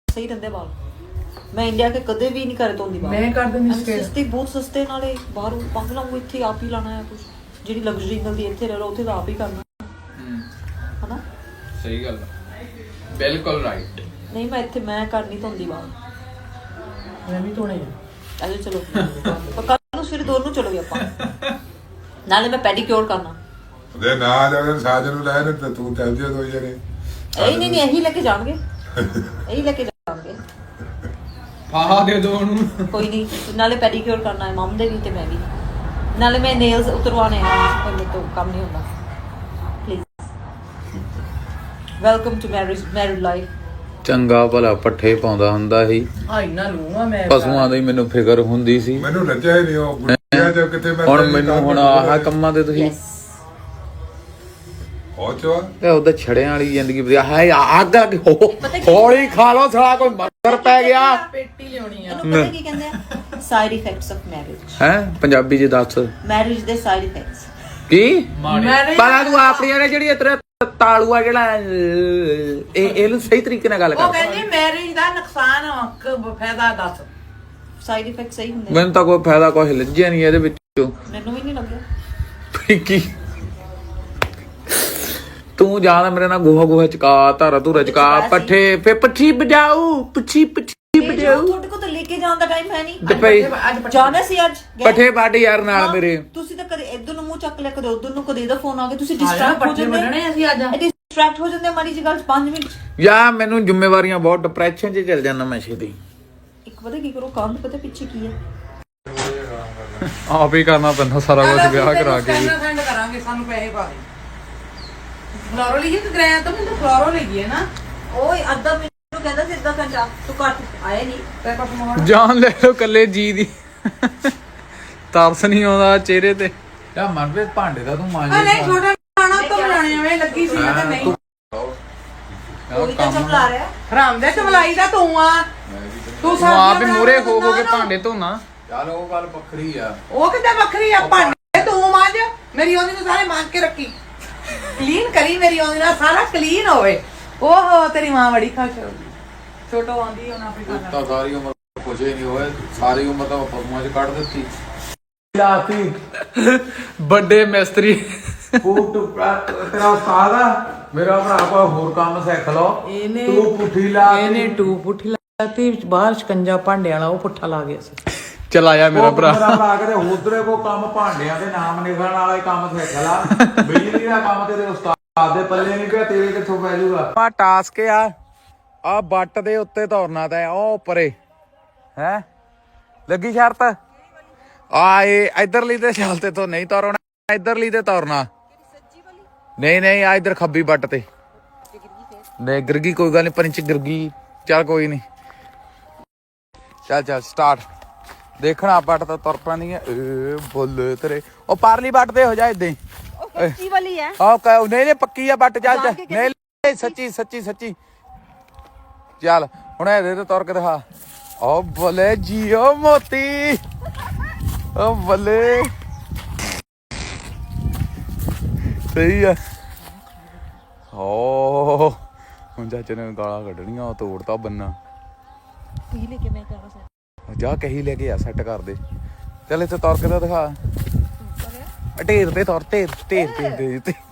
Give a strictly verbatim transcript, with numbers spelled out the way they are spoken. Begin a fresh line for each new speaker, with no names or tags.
ਸਹੀ ਰਹਿੰਦੇ ਵਾਲ। ਮੈਂ ਇੰਡੀਆ ਕੇ ਕਦੇ ਵੀ ਨਹੀਂ ਕਰੇ ਧੋਂਦੀ ਵਾਲ।
ਮੈਂ ਕਰ ਦਿੰਦੀ ਸਟੇਟ
ਸਸਤੇ ਬਹੁਤ ਸਸਤੇ ਨਾਲੇ ਬਾਹਰੋਂ ਪੰਗ ਲਾਉਂਗਾ ਇੱਥੇ ਆਪ ਹੀ ਲਾਣਾ ਹੈ ਕੁਝ ਜਿਹੜੀ ਲਗਜ਼ਰੀ ਮਿਲਦੀ ਇੱਥੇ ਰਹਿ ਲਓ ਉੱਥੇ ਤਾਂ ਆਪ ਹੀ ਕਰਨਾ ਹਨਾ।
ਸਹੀ ਗੱਲ ਬਿਲਕੁਲ ਰਾਈਟ।
ਨਹੀਂ ਮੈਂ ਇੱਥੇ ਮੈਂ ਕਰ ਨਹੀਂ ਧੋਂਦੀ ਵਾਲ।
ਮੈਂ ਵੀ ਧੋਣੇ ਆ।
ਅਜੇ ਚਲੋ ਕੱਲ ਨੂੰ ਸਵੇਰੇ ਦੋਨੋਂ ਚਲੋਗੇ ਆਪਾਂ ਨਾਲੇ ਮੈਂ ਪੈਡੀਕਿਉਰ ਕਰਨਾ।
ਦੇ ਨਾ ਜਾਵੇ ਸਾਜਨ ਨੂੰ ਲੈ ਤੇ ਤੂੰ ਚੱਲ ਜਿਓ ਦੋ ਜਣੇ।
ਇਹ ਨਹੀਂ ਨਹੀਂ ਇਹੀ ਲੈ ਕੇ ਜਾਣਗੇ ਇਹੀ ਲੈ ਕੇ ਜਾਣਗੇ।
ਫਾਹਾ ਦੇ ਦੋ ਉਹਨੂੰ।
ਕੋਈ ਨਹੀਂ ਨਾਲੇ ਪੈਡੀਕਿਉਰ ਕਰਨਾ ਹੈ ਮਮ ਦੇ ਵੀ ਤੇ ਮੈਂ ਵੀ ਨਾਲੇ ਮੈਂ ਨੇਲਸ ਉਤਰਵਾਣੇ ਆ ਪਰ ਮੇਰੇ ਤੋਂ ਕੰਮ ਨਹੀਂ ਹੁੰਦਾ। Please welcome to marriage married life.
ਚੰਗਾ ਭਲਾ ਪੱਠੇ ਪਾਉਂਦਾ ਹੁੰਦਾ ਸੀ
ਆ ਇੰਨਾ ਲੂਆ ਮੈਂ
ਪਸ਼ੂਆਂ ਦੀ ਮੈਨੂੰ ਫਿਕਰ ਹੁੰਦੀ ਸੀ।
ਮੈਨੂੰ ਰੱਜਿਆ ਹੀ ਨਹੀਂ ਉਹ ਗੁੱਡੀਆਂ ਚ ਕਿਤੇ ਮੈਂ
ਹੁਣ ਮੈਨੂੰ ਹੁਣ ਆਹ ਕੰਮਾਂ ਤੇ ਤੁਸੀਂ
ਹੋ ਚੋ
ਤੇ ਉਹਦਾ ਛੜਿਆਂ ਵਾਲੀ ਜ਼ਿੰਦਗੀ ਵਧੀਆ ਹੈ। ਅੱਗ ਅੱਗ ਹੌਲੀ ਖਾ ਲੋ ਸਾਲਾ ਕੋਈ ਮੱਛਰ ਪੈ ਗਿਆ।
ਪੇਟੀ ਲਿਆਉਣੀ ਆ।
ਇਹਨੂੰ ਪਤਾ ਕੀ ਕਹਿੰਦੇ ਆ ਸਾਈਡ ਇਫੈਕਟਸ ਆਫ ਮੈਰਿਜ।
ਹੈ ਪੰਜਾਬੀ ਚ ਦੱਸ
ਮੈਰਿਜ ਦੇ ਸਾਈਡ ਇਫੈਕਟਸ
ਕੀ
ਮੈਂ
ਪਰ ਤੂੰ ਆਪਣੀਆਂ ਨੇ ਜਿਹੜੀ ਤੇਰਾ ਤਾਲੂ ਆ ਜਿਹੜਾ ਇਹ ਇਹਨੂੰ ਸਹੀ ਤਰੀਕੇ ਨਾਲ ਗੱਲ
ਉਹ
ਕਰ।
ਕਹਿੰਦੀ ਮੈਰਿਜ ਦਾ ਨੁਕਸਾਨ ਫਾਇਦਾ ਦੱਸ।
ਸਾਈਡ ਇਫੈਕਟ ਸਹੀ ਹੁੰਦੇ
ਮੈਨੂੰ ਤਾਂ ਕੋਈ ਫਾਇਦਾ ਕੋਈ ਲੱਜਿਆ ਨਹੀਂ ਇਹਦੇ ਵਿੱਚੋਂ।
ਮੈਨੂੰ ਵੀ ਨਹੀਂ ਲੱਗਿਆ।
ਕੀ ਤੂੰ ਜਾਣਾ ਮੇਰੇ ਨਾਲ ਗੋਹਾ ਗੋਹਾ ਚਕਾ ਧਾਰਾ ਧੂਰਾ ਚਕਾ ਪੱਠੇ ਫੇ ਪੱਠੀ ਵਜਾਊ ਪੱਠੀ ਪੱਠੀ ਵਜਾਊ।
ਤੁਹਾਡੇ ਕੋਲ ਤਾਂ ਲੈ ਕੇ ਜਾਣ ਦਾ ਟਾਈਮ ਹੈ ਨਹੀਂ।
ਤੇ ਭਈ
ਜਾਣਾ ਸੀ ਅੱਜ
ਪੱਠੇ ਵੱਢ ਯਾਰ ਨਾਲ ਮੇਰੇ।
ਤੁਸੀਂ ਤਾਂ ਕਦੇ ਇੱਧਰ ਨੂੰ ਮੂੰਹ ਚੱਕ ਲਿਆ ਕਦੇ ਉੱਧਰ ਨੂੰ ਕਦੇ ਇਹਦਾ ਫੋਨ ਆ ਗਿਆ ਤੁਸੀਂ ਡਿਸਟਰੈਕਟ ਹੋ
ਪੱਠੇ
ਜਾਂਦੇ
ਵੱਢਣੇ ਅਸੀਂ ਅੱਜ।
ਡਿਸਟਰੈਕਟ ਹੋ ਜਾਂਦੇ ਮਾੜੀ ਜਿਹੀ ਗੱਲ ਚ ਪੰਜ ਮਿੰਟ।
ਯਾ ਮੈਨੂੰ ਜ਼ਿੰਮੇਵਾਰੀਆਂ ਬਹੁਤ ਡਿਪਰੈਸ਼ਨ 'ਚ ਚੱਲ ਜਾਂਦਾ ਮੈਂ ਛੇਤੀ।
ਇੱਕ ਪਤਾ ਕੀ ਕਰੋ ਕੰਮ ਪਤਾ ਪਿੱਛੇ ਕੀ ਹੈ
ਆਪ ਹੀ ਕਰਨਾ ਪੈਂਦਾ ਸਾਰਾ ਕੁਝ ਵਿਆਹ ਕਰਾ ਕੇ।
ਸੈਂਡ ਕਰਾਂਗੇ ਸਾਨੂੰ ਪੈਸੇ ਪਾ ਦੇ। ਫਲੋਰੋ ਲਈਏ ਕਿ ਗ੍ਰੈਂਡ ਤੋਂ ਮੈਨੂੰ ਫਲੋਰੋ ਲਈਏ ਨਾ।
ਓਏ ਅੱਧਾ ਮੈਨੂੰ ਕਹਿੰਦਾ ਸੀ ਅੱਧਾ ਘੰਟਾ ਤੂੰ ਘਰ ਆਇਆ ਨਹੀਂ।
ਤੇ ਕੁਛ ਮੋੜ
ਜਾਨ ਲੈ ਲੋ ਕੱਲੇ ਜੀ ਦੀ ਤਰਸ ਨਹੀਂ ਆਉਂਦਾ ਚਿਹਰੇ ਤੇ।
ਯਾ ਮਨਪ੍ਰੀਤ ਭਾਂਡੇ ਦਾ ਤੂੰ
ਆ
ਮਾਂਜੇ
ਨਹੀਂ ਛੋਟਾ ਖਾਣਾ ਤੋਂ ਬਣਾਉਣੇ ਐਵੇਂ ਲੱਗੀ ਸੀ ਮੈਂ ਤਾਂ ਨਹੀਂ।
ਕੋਈ ਤਾਂ ਚਮਲਾ ਰਿਹਾ
ਹਰਾਮ ਦੇ ਚਮਲਾਈ ਦਾ ਤੂੰ ਆ। ਤੂੰ
ਤੂੰ ਆਪ ਹੀ ਮੂਰੇ ਹੋ ਹੋ ਕੇ ਭਾਂਡੇ ਧੋਣਾ।
ਚੱਲ ਉਹ ਗੱਲ ਵੱਖਰੀ ਆ।
ਉਹ ਕਿੱਦਾਂ ਵੱਖਰੀ ਆ ਭਾਂਡੇ ਤੂੰ ਮਾਂਜ ਮੇਰੀ ਉਹਦੀ ਨੂੰ ਸਾਰੇ ਮਾਂਜ ਕੇ ਰੱਖੀ। ਕਲੀਨ ਕਰੀ ਮੇਰੀ ਉਹਦੀ ਨਾਲ ਸਾਰਾ ਕਲੀਨ ਹੋਵੇ। ਓਹੋ ਤੇਰੀ ਮਾਂ ਬੜੀ ਖੁਸ਼ ਹੋਊਗੀ। ਛੋਟੋ ਆਂਦੀ ਉਹਨਾਂ ਆਪਣੀ ਖਾਣਾ
ਤਾਂ ਸਾਰੀ ਉਮਰ ਕੁਝ ਹੀ ਨਹੀਂ ਹੋਇਆ ਸਾਰੀ ਉਮਰ ਤਾਂ ਪਰਮਾਂ 'ਚ ਕੱਢ ਦਿੱਤੀ। ਲਾਤੀ
ਵੱਡੇ ਮਿਸਤਰੀ
ਫੂਟ ਤੇਰਾ ਉਸਤਾਦ ਆ ਮੇਰਾ ਭਰਾ ਕੋਈ ਹੋਰ ਕੰਮ ਸਿੱਖ ਲਓ।
ਇਹਨੇ
ਤੂੰ ਪੁੱਠੀ ਲਾ
ਇਹਨੇ ਟੂ ਪੁੱਠੀ ਲਾਤੀ ਬਾਹਰ ਸ਼ਿਕੰਜਾ ਭਾਂਡੇ ਵਾਲਾ ਉਹ ਪੁੱਠਾ ਲਾ ਗਿਆ ਸੀ।
ਚਲਾਇਆ ਮੇਰਾ ਭਰਾ।
ਮੇਰਾ ਭਰਾ ਕਿਤੇ ਉਧਰੇ ਕੋ ਕੰਮ ਭਾਂਡਿਆਂ ਦੇ ਨਾਮ ਲਿਖਣ ਵਾਲਾ ਹੀ ਕੰਮ ਸਿੱਖ ਲਾ। ਬਿਜਲੀ ਦਾ ਕੰਮ ਤੇਰੇ ਉਸਤਾਦ ਦੇ ਪੱਲੇ ਨਹੀਂ ਪਿਆ ਤੇਰੇ ਕਿੱਥੋਂ ਪੈ ਜਾਊਗਾ। ਆ ਟਾਸਕ ਆ ਆ ਬੱਟ ਦੇ ਉੱਤੇ ਧਰਨਾ ਤਾਂ ਉਹ ਉੱਪਰੇ ਹੈ ਲੱਗੀ ਸ਼ਰਤ ਆ ਇਹ ਇਧਰਲੀ ਤੇ ਚੱਲਤੇ ਤੋਂ ਨਹੀਂ ਤੋਰਨਾ ਇਧਰਲੀ ਤੇ ਤੋਰਨਾ ਨਹੀਂ ਨਹੀਂ ਆ ਇਧਰ ਖੱਬੀ ਬੱਟ ਤੇ ਨਹੀਂ ਗਿਰਗੀ ਕੋਈ ਗੱਲ ਨਹੀਂ ਪੰਚ ਗਿਰਗੀ ਚੱਲ ਕੋਈ ਨਹੀਂ ਚੱਲ ਚੱਲ ਸਟਾਰਟ ਦੇਖਣਾ ਬੱਟ ਤਾਂ ਤੁਰ ਪੈਂਦੀ ਹੈ ਏ ਬੋਲੇ ਤੇਰੇ ਉਹ ਪਰਲੀ ਬੱਟ ਤੇ ਹੋ ਜਾ ਇਦਾਂ
ਉਹ ਕੱਚੀ ਵਾਲੀ ਹੈ
ਆਹ ਕਹ ਨਹੀਂ ਨਹੀਂ ਪੱਕੀ ਆ ਬੱਟ ਚੱਲ ਚੱਲ ਨਹੀਂ ਸੱਚੀ ਸੱਚੀ ਸੱਚੀ ਚੱਲ ਹੁਣ ਇਹਦੇ ਤੇ ਤੁਰ ਕੇ ਦਿਖਾ ਓ ਬੋਲੇ ਜੀਓ ਮੋਤੀ ਓ ਬੋਲੇ ਸਹੀ ਆ ਓ ਹੁਣ ਚਾਚੇ ਨੇ ਗਾਲਾਂ ਕੱਢਣੀਆਂ ਉਹ ਤੋੜਤਾ ਬੰਨਾ
ਕੀ ਲੈ ਕੇ ਮੈਂ ਕਰਾਂ ਸਰ
ਜਾ ਕਹੀ ਲੈ ਕੇ ਆ ਸੈੱਟ ਕਰ ਦੇ ਚੱਲ ਇੱਥੇ ਤੁਰ ਕੇ ਤਾਂ ਦਿਖਾ ਢੇਰ ਤੇ ਤੁਰ ਢੇਰ ਢੇਰ ਢੇਰ ਤੇ